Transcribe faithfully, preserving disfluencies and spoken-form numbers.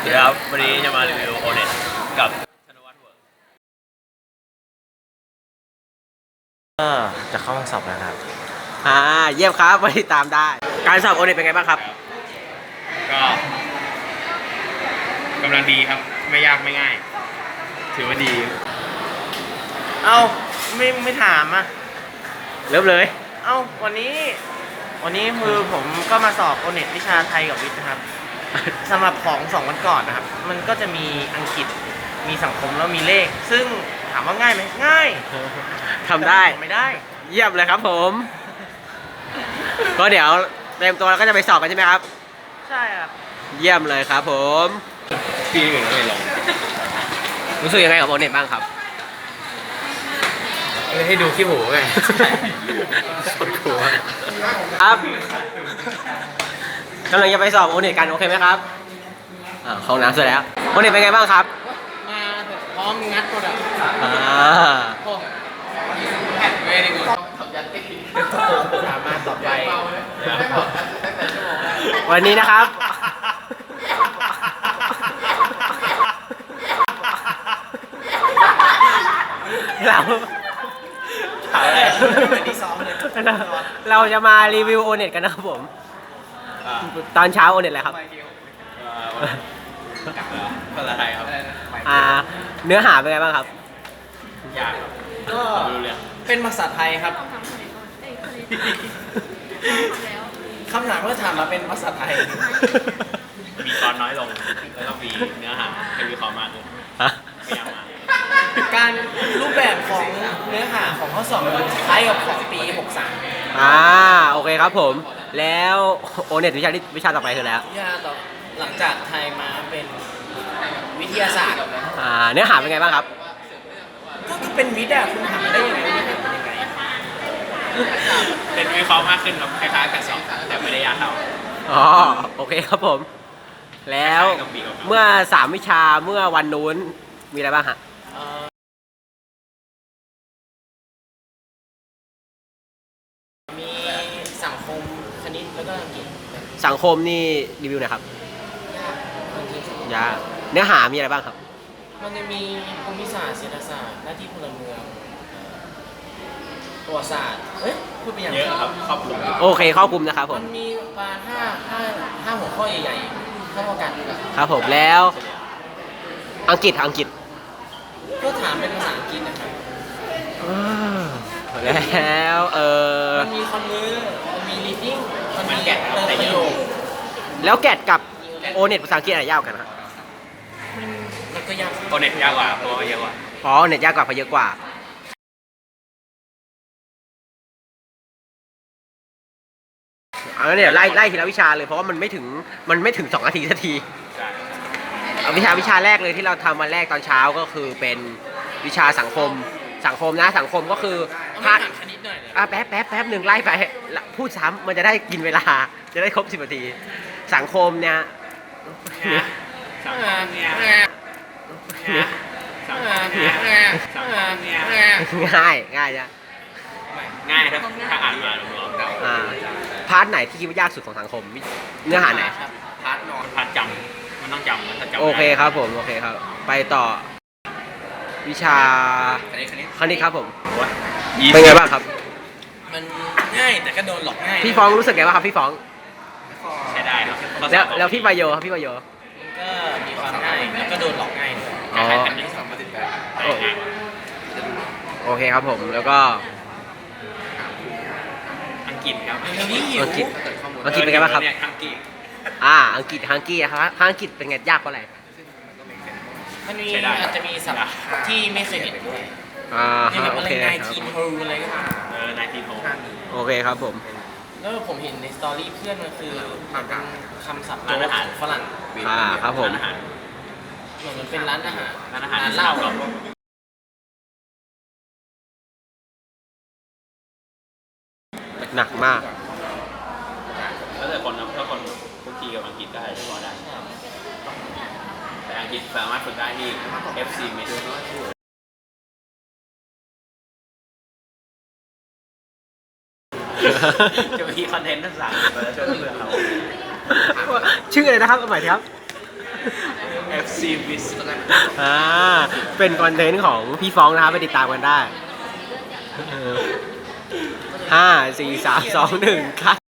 ครับวันนี้จะมารีวิวโอเน็ตกับธนวัฒน์เวิร์กก็จะเข้าห้องสอบแล้วครับอ่าเยี่ยมครับมาติดตามได้การสอบโอเน็ตเป็นไงบ้างครับก็กำลังดีครับไม่ยากไม่ง่าย ถือว่าดีเอ้าไม่ไม่ถามอ่ะเริ่มเลยเอ้าวันนี้ วันนี้คือผมก็มาสอบโอเน็ตวิชาไทยกับวิทย์นะครับสำหรับของสองวันก่อนนะครับมันก็จะมีอังกฤษมีสังคมแล้วมีเลข ซึ่งถามว่าง่ายไหมง่ายทำได้ไม่ได้เยี่ยมเลยครับผม ก็เดี๋ยวเตรียมตัวแล้วก็จะไปสอบกันใช่ไหมครับใช่ครับเยี่ยมเลยครับผมพี่อื่นไม่ลงรู้สึกยังไงกับโอเน็ตบ้างครับให้ดูขี้หูไงสุดหัวครับกำลังจะไปสอบโอเน็ตกันโอเคไหมครับอ่าเข้าน้ำเสร็จแล้วโอเน็ตเป็นไงบ้างครับมาพร้อมงัดหมดอ่ะอ่าเวดีกูสามารถต่อไปวันนี้นะครับเราเราจะมารีวิวโอเน็ตกันนะครับผมตอนเช้าโอเน็ตอะไรครับภาษาไทยครับอ่าเนื้อหาเป็นไงบ้างครับยากครับก็ดูเรื่องเป็นภาษาไทยครับคำถามก็ถามมาเป็นภาษาไทยมีตอนน้อยลงแล้วก็มีเนื้อหาให้วิเคราะห์มากขึ้นพยายามมาการรูปแบบของเนื้อหาของข้อสอบคล้ายกับของปีหกสามอ่าโอเคครับผม แล้วโอเน็ตวิชาที่วิชาต่อไปคือแล้ววิทยาต่อหลังจากไทยมาเป็นวิทยาศาสตร์อ่าเนื้อหาเป็นไงบ้างครับก็คือเป็นวิทย์อะคุณถามได้ยังไงว่าเป็นยังไงเป็นวิเคราะห์มากขึ้นครับคล้ายๆกับสองแต่ไม่ได้ยากเท่าอ๋อโอเคครับผม แล้วเมื่อสามวิชาเมื่อวันนู้นมีอะไรบ้างฮะเอ่อมีสังคมคณิตแล้วก็อังกฤษสังคมนี่รีวิวหน่อยครับยากจริงยากเนื้อหามีอะไรบ้างครับๆมันจะมีภูมิศาสตร์เศรษฐศาสตร์หน้าที่พลเมืองประวัติศาสตร์เอ้ยพูดไปอย่างเยอะครับครอบคลุมโอเคครอบคลุมนะครับผมัมนมีประมาณห้าห้าห้าหัวข้อใหญ่ๆเท่ากันครับผมแล้วอังกฤษอังกฤษก็ถามเป็นภาษาอังกฤษนะครับอ่าแล้วเออมันมีคอนเวอร์มันมี reading มันมัมีนแกะครับเติมแต่ประเยโยอะคแล้วแกดกับโอเน็ตภาษาอังกฤษอะไรยากกว่ากันครับมันมันก็ยากโอเน็ตยากกว่าเพราะว่าเยอะกว่าอ๋อเน็ตยากกว่าเพราะเยอะกว่าเอางั้นเนี่ยไล่ไล่ทีละวิชาเลยเพราะว่ามันไม่ถึงมันไม่ถึงสองนาทีสักทีใช่เอาวิชาวิชาแรกเลยที่เราทำวันแรกตอนเช้าก็คือเป็นวิชาสังคมสังคมนะสังคมก็คือเอาพาถามคณิตหน่อยเลยอ่ะแป๊บแป๊บแป๊บหนึ่งไล่ไปละพูดซ้ำมันจะได้กินเวลาจะได้ครบสิบนาทีสังคมเนี่ยเนี่ยสังคมเนี่ยเนี่ยสังคมเนี่ยสังคมเนี่ยง่ายง่ายจ้ะง่ายครับถ้าอ่านมารวมๆกันอ่าพาร์ทไหนที่คิดว่ายากสุดของสังคมเนื้อหาไหนครับพาร์ทนอนพาจำมันต้องจำมันถ้าจำโอเคครับผมโอเคครับ ไปต่อวิชาคณิตคณิตคณิตครับผมยี่สิเป็นไงบ้างครับมันง่ายแต่ก็โดนหลอกง่ายพี่ฟ้องรู้สึกไงบ้างครับพี่ฟ้องใช้ได้ครับแล้วแล้วพี่ประโยครับพี่ประโยมันก็มีความง่ายแล้วก็โดนหลอกง่ายด้วยอ๋อคล้ายๆกันที่สองมาติดกันแต่ง่ายกว่าโอเคครับผมแล้วก็อังกฤษครับเดี๋ยวนี้หิวอังกฤษอังกฤษเป็นไงบ้างครับเนี่ยอังกฤษอ่าอังกฤษฮังกี้นะครับฮังกฤษเป็นไงยากเพราะอะไรมันมีใช้ได้อาจจะมีศัพท์ที่ไม่เคยเห็นด้วยอ่าอย่างแบบโออะไรเคคไนรับทีนโฮอะไรก็ตามเออนายทีโทโอเคครับผมแล้วผมเห็นในสตอรี่เพื่อนมันคือมันเป็นคำศัพท์โจ๊กของฝรั่งอ่าครับผมร้านอาหารเหมือนมันเป็นร้านอาหารร้านอาหารร้านเหล้าที่เราหนักมากแล้วแต่คนนะถ้าคนคุกคีกับอังกฤษได้ก็พอได้ แต่อังกฤษสามารถฝึกได้ที่ เอฟ ซี Med จะมีคอนเทนต์ทั้งสามมาช่วยเพื่อนเราชื่ออะไรนะครับเอาใหม่ครับมซีวิสอ่าเป็นคอนเทนต์ของพี่ฟ้องนะครับไปติดตามกันได้ห้าสี่สามสองหนึ่งคัด